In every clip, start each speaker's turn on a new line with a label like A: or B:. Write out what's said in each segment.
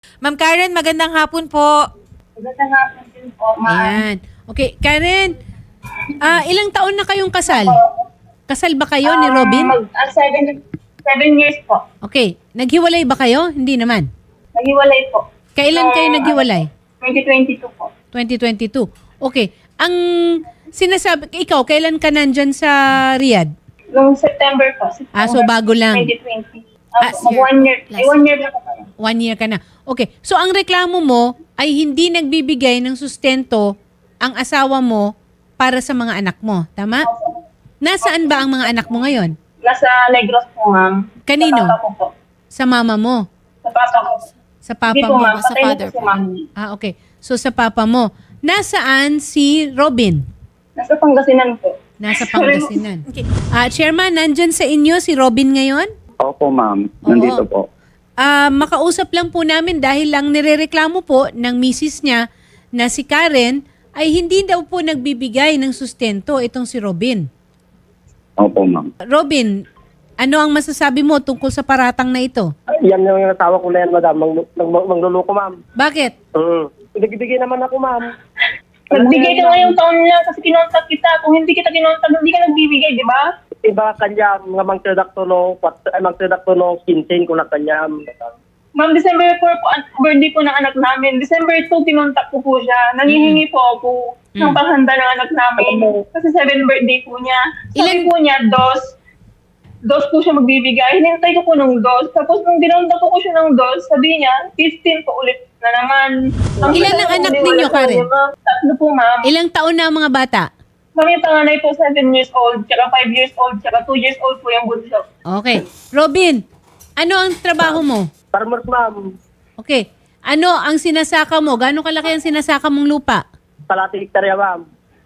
A: Ma'am Karen, magandang hapon po.
B: Magandang hapon din po, ma'am.
A: Ayan. Okay, Karen, ilang taon na kayong kasal? Kasal ba kayo ni Robin?
B: 7 years po.
A: Okay, naghiwalay ba kayo? Hindi naman.
B: Naghiwalay po.
A: Kailan kayo naghiwalay?
B: 2022 po.
A: 2022. Okay, ang sinasabi, ikaw, kailan ka nandyan sa Riyadh?
B: Noong September po.
A: So bago lang.
B: 2020.
A: Year.
B: 1 year.
A: Last
B: 1 year na po.
A: 1 year ka na. Okay, so ang reklamo mo ay hindi nagbibigay ng sustento ang asawa mo para sa mga anak mo. Tama? Nasaan ba ang mga anak mo ngayon?
B: Nasa Negros po, ma'am.
A: Kanino?
B: Sa papa ko po.
A: Sa mama mo?
B: Sa papa ko.
A: Sa papa
B: Hindi po,
A: mo?
B: ma'am.
A: Sa
B: Patay na
A: father
B: po si ma'am.
A: Okay. So sa papa mo. Nasaan si Robin?
B: Nasa Pangasinan po.
A: Nasa Pangasinan. Okay. Chairman, nandyan sa inyo si Robin ngayon?
C: Opo, ma'am.
A: Oo.
C: Nandito po.
A: Makausap lang po namin dahil lang nirereklamo po ng misis niya na si Karen ay hindi daw po nagbibigay ng sustento itong si Robin.
C: Opo, ma'am.
A: Robin, ano ang masasabi mo tungkol sa paratang na ito?
D: Yan yung asawa ko na yan, madam. Mangluloko, ma'am.
A: Bakit?
D: Nagbibigay naman ako, ma'am.
B: Nagbigay ka ngayong taon na kasi kinontak kita. Kung hindi kita kinontak, hindi ka nagbibigay, di ba?
D: Iba kanya, mga magtradakto no, kinsin ko na kanya.
B: Ma'am, December 4 po, birthday po ng anak namin. December 2, kinontak ko po siya. Nangihingi po ako ng panghanda ng anak namin. Kasi 7 birthday po niya. Sabi po niya, dos po siya magbibigay. Hinintay ko po ng dos. Tapos nung dinontak ko siya ng dos, sabi niya, 15 po ulit na naman.
A: Ilan ang anak ninyo, Karen?
B: Tatlo po, ma'am.
A: Ilang taon na ang mga bata?
B: Ma'am, yung panganay po, 7 years old, tsaka 5 years old, tsaka 2 years old po yung bunso.
A: Okay. Robin, ano ang trabaho mo?
D: Farmers, ma'am.
A: Okay. Ano ang sinasaka mo? Gano'ng kalaki ang sinasaka mong lupa?
D: Kalati hektarya, ma'am.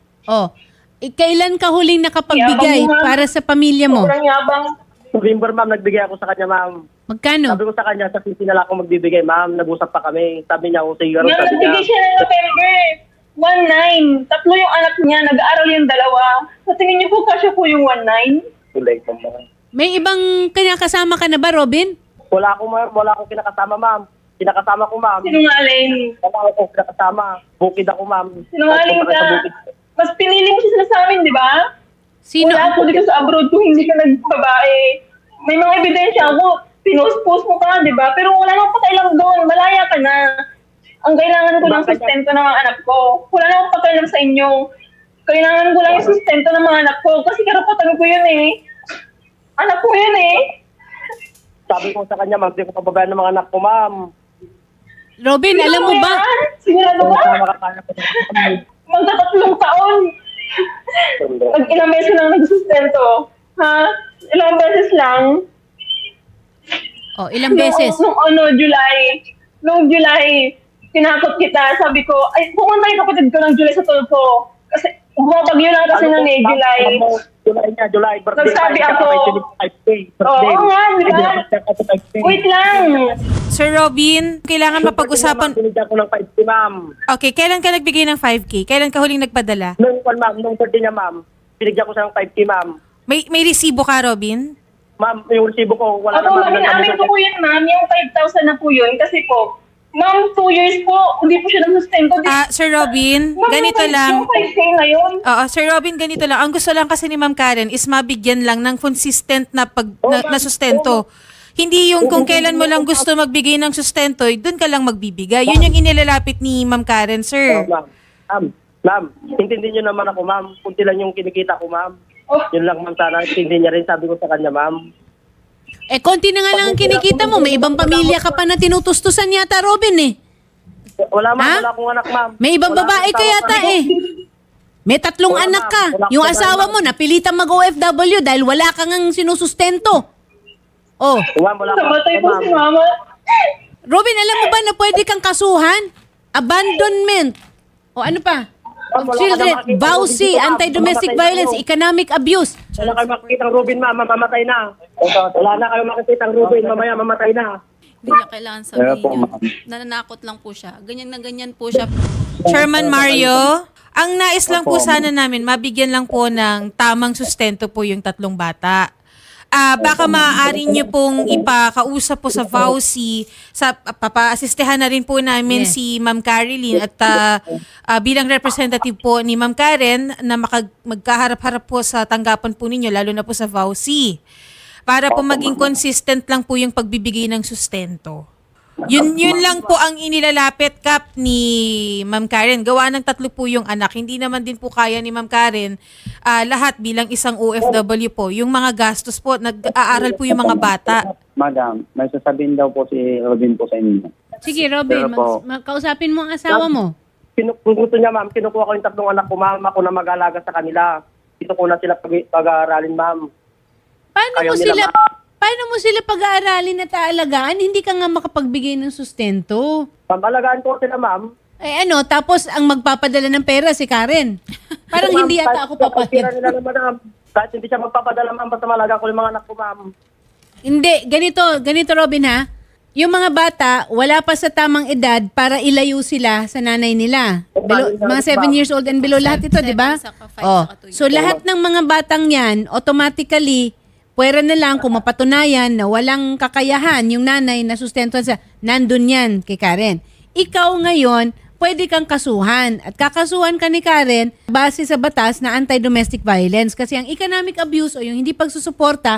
A: Kailan ka huling nakapagbigay
B: Yabang mo, ma'am.
A: para sa pamilya mo?
B: Sobrang yabang.
D: November, ma'am, nagbigay ako sa kanya, ma'am.
A: Magkano?
D: Sabi ko sa kanya, sa sisi na lang ako magbibigay, ma'am. Nag-usap pa kami. Sabi niya, kung siguro,
B: Ma'am,
D: sabi niya.
B: nagbigay siya ng November. 1-9. Tatlo yung anak niya, nag-aaral yung dalawa. Sa tingin niyo po, kasya po yung 1-9?
D: Tulay ko, ma'am.
A: May ibang kasama ka na ba, Robin?
D: Wala akong, ma'am. Wala akong kinakasama, ma'am. Kinakasama ko, ma'am.
B: Sinungaling.
D: Wala akong kinakasama. Bukid ako, ma'am.
B: Sinungaling
D: Pupunta
B: ka.
D: sa bukid.
B: Mas pinili mo siya sa amin, di ba?
A: Sino?
B: Wala ako dito sa abroad kung hindi ka nagbabae. May mga ebidensya ako. Pinost-post mo pa, di ba? Pero wala nang pakailang doon. Malaya ka na. Ang kailangan ko ng sustento ng mga anak ko. Wala nang pakailang sa inyo. Kailangan ko lang yung sustento ng mga anak ko. Kasi karapatan ko yun eh. Anak ko yun eh.
D: Sabi ko sa kanya, ma'am, hindi ko pababayaan ng mga anak ko, ma'am.
A: Robin, alam mo ba?
B: Sigurado
D: Kung
B: ba?
D: makakaya ko na.
B: Magkatatlong taon. Ilang beses lang nagsustento. Ha? Ilang beses lang.
A: Ilang beses?
B: Nung July, tinakot kita. Sabi ko, ay, pumunta yung kapatid ko ng July sa Tulfo. Kasi, bumabagyo lang kasi nun eh, July.
D: July. Birthday
B: Nagsabi
D: pa,
B: ako.
D: 25K.
B: Oo nga, di ba?
D: Birthday.
B: Wait lang.
A: Sir Robin, kailangan mapag-usapan.
D: Binigyan ko ng 5K, ma'am.
A: Okay, kailan ka nagbigay ng 5K? Kailan ka huling nagpadala?
D: Nung birthday niya, ma'am, binigyan ko siya ng 5K, ma'am.
A: May resibo ka, Robin?
D: Ma'am, yung resibo ko, wala
B: Ako,
D: naman.
B: amin ko po yun, ma'am. Yung 5,000 na po yun. Kasi po, ma'am, 2 years po, hindi po siya nagsustento.
A: Sir Robin,
B: Ma'am,
A: ganito
B: yung
A: lang.
B: 5K ngayon.
A: Sir Robin, ganito lang. Ang gusto lang kasi ni Ma'am Karen is mabigyan lang ng consistent na na sustento. Hindi yung kung kailan mo lang gusto magbigay ng sustento, doon ka lang magbibigay. Yun yung inilalapit ni Ma'am Karen, sir.
D: Ma'am, intindi niyo naman ako, ma'am. Kunti lang yung kinikita ko, ma'am.
B: Oh,
D: Yun lang, ma'am, sana. Intindi niya rin, sabi ko sa kanya, ma'am.
A: Konti na nga lang ang kinikita mo. May ibang pamilya ka pa na tinutustusan yata, Robin eh.
D: Wala, ma'am.
A: Ha?
D: Wala akong anak, ma'am.
A: May ibang
D: Wala
A: babae
D: akong
A: ka
D: tawag,
A: yata
D: ma'am.
A: eh. May 3
D: Wala,
A: anak
D: ma'am.
A: ka.
D: Wala
A: Yung
D: akong
A: asawa
D: babae,
A: mo, napilitan mag-OFW dahil wala kang sinusustento.
D: Ma'am, wala akong
B: namatay po
D: ma'am.
B: si mama.
A: Robin, alam mo ba na pwede kang kasuhan? Abandonment. Ano pa? Of
D: Ma'am, wala ka
A: children,
D: na makita.
A: vowsy,
D: Ma'am,
A: anti-domestic
D: mamatay na
A: violence,
D: kayo.
A: economic abuse.
D: Wala kayo makikita ng Rubin, ma'am. Mamatay na. Wala na kayo makikita ng Rubin. Mamaya, mamatay na.
E: Hindi niya kailangan sabihin
C: po,
E: yun.
C: ma'am.
E: Nananakot lang po siya. Ganyan na ganyan po siya.
A: Chairman Mario, ang nais lang po sana namin, mabigyan lang po ng tamang sustento po yung 3 bata. baka maaari nyo pong ipakausap po sa VAUSI, papa-asistehan na rin po namin si Ma'am Caroline at bilang representative po ni Ma'am Karen na magkaharap-harap po sa tanggapan po ninyo, lalo na po sa VAUSI. Para po maging consistent lang po yung pagbibigay ng sustento. Yun lang po ang inilalapit, Kap, ni Ma'am Karen. Gawa ng 3 po yung anak. Hindi naman din po kaya ni Ma'am Karen lahat bilang isang OFW po. Yung mga gastos po, nag-aaral po yung mga bata.
C: Madam, may sasabihin daw po si Robin po sa inyo.
F: Sige, Robin,
C: Pero po-
F: kausapin mo ang asawa mo.
D: Kung gusto niya, ma'am, kinukuha ko yung 3 anak ko, ma'am, ako na mag-alaga sa kanila. Dito ko na sila pag-aaralin, ma'am.
F: Paano mo sila pag-aaralin at aalagaan? Hindi ka nga makapagbigay ng sustento.
D: Pag-alagaan ko sila, ma'am.
F: Tapos ang magpapadala ng pera si Karen. Parang
D: Ma'am,
F: hindi yata ako
D: kahit pira
F: papayag.
D: nila naman, ma'am. Kahit hindi siya magpapadala, ma'am, basta malaga ko yung mga anak ko, ma'am.
F: Hindi, ganito Robin ha. Yung mga bata, wala pa sa tamang edad para ilayo sila sa nanay nila. Mga 7 years old and below lahat ito, di ba?
E: 7, saka 5,
F: Oh.
E: saka 2
F: So lahat ng mga batang yan, automatically, pwera na lang kung mapatunayan na walang kakayahan yung nanay na sustentuhan sa, nandun yan kay Karen. Ikaw ngayon, pwede kang kasuhan. At kakasuhan ka ni Karen base sa batas na anti-domestic violence. Kasi ang economic abuse o yung hindi pagsusuporta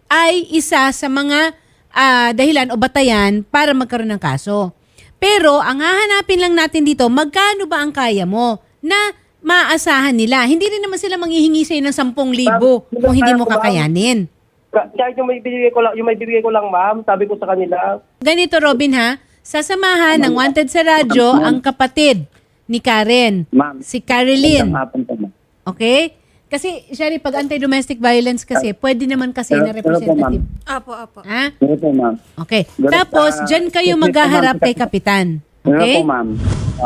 F: ay isa sa mga dahilan o batayan para magkaroon ng kaso. Pero ang hahanapin lang natin dito, magkano ba ang kaya mo na maaasahan nila? Hindi rin naman sila manghihingi sa'yo ng 10,000 kung hindi mo kakayanin.
D: Kahit yung may bibigay ko lang, ma'am, sabi ko sa kanila.
F: Ganito, Robin, ha? Sasamahan ng Wanted sa Radyo ang kapatid ni Karen,
C: Ma'am,
F: si Caroline.
C: magandang hapon po, ma'am.
F: Okay? Kasi, Shari, pag anti-domestic violence kasi, pwede naman kasi na
C: Pero po,
F: representative.
A: Apo.
F: Ha?
C: Pero po, ma'am.
F: Okay.
C: Ganun,
F: Tapos, dyan kayo maghaharap kay Kapitan.
C: Pero
F: Okay?
C: po, ma'am,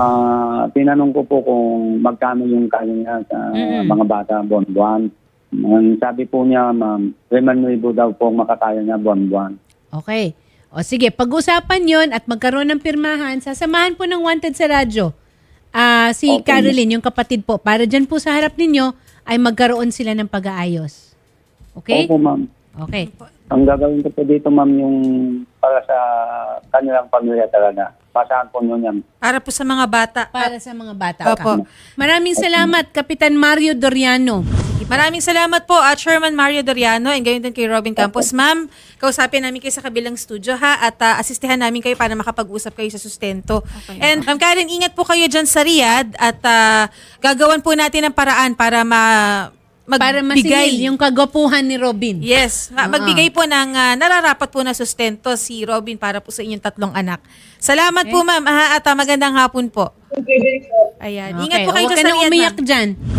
C: tinanong ko po kung magkano yung kaya niya sa mga bata buwan-buwan. Ang sabi po niya, ma'am, 5,000 daw po ang makakaya niya buwan-buwan.
F: Okay. O sige, pag-usapan yon at magkaroon ng pirmahan, sasamahan po ng Wanted sa Radyo si
C: Okay.
F: Caroline, yung kapatid po, para dyan po sa harap ninyo ay magkaroon sila ng pag-aayos. Okay?
C: Opo, ma'am.
F: Okay.
C: Ang gagawin ko po dito, ma'am, yung para sa kanilang pamilya talaga. Pasahan po nyo yan.
A: Para po sa mga bata.
F: Para sa mga bata.
A: Opo.
F: Maraming salamat, Kapitan Mario Doriano.
A: Maraming salamat po at Chairman Mario Doriano and gayon din kay Robin Campos. Ma'am, kausapin namin kayo sa kabilang studio ha at asistehan namin kayo para makapag-usap kayo sa sustento.
E: Okay.
A: And Ma'am Karen, ingat po kayo dyan sa Riyadh at gagawan po natin ng paraan para
F: Para masingil yung kagwapuhan ni Robin.
A: Yes, magbigay po ng nararapat po na sustento si Robin para po sa inyong 3 anak. Salamat po ma'am at magandang hapon po. Ayan. Ingat po kayo
F: Huwag
A: dyan
F: ka
A: sa
F: nang
A: Riyadh,
F: umiyak
A: ma'am.
F: dyan.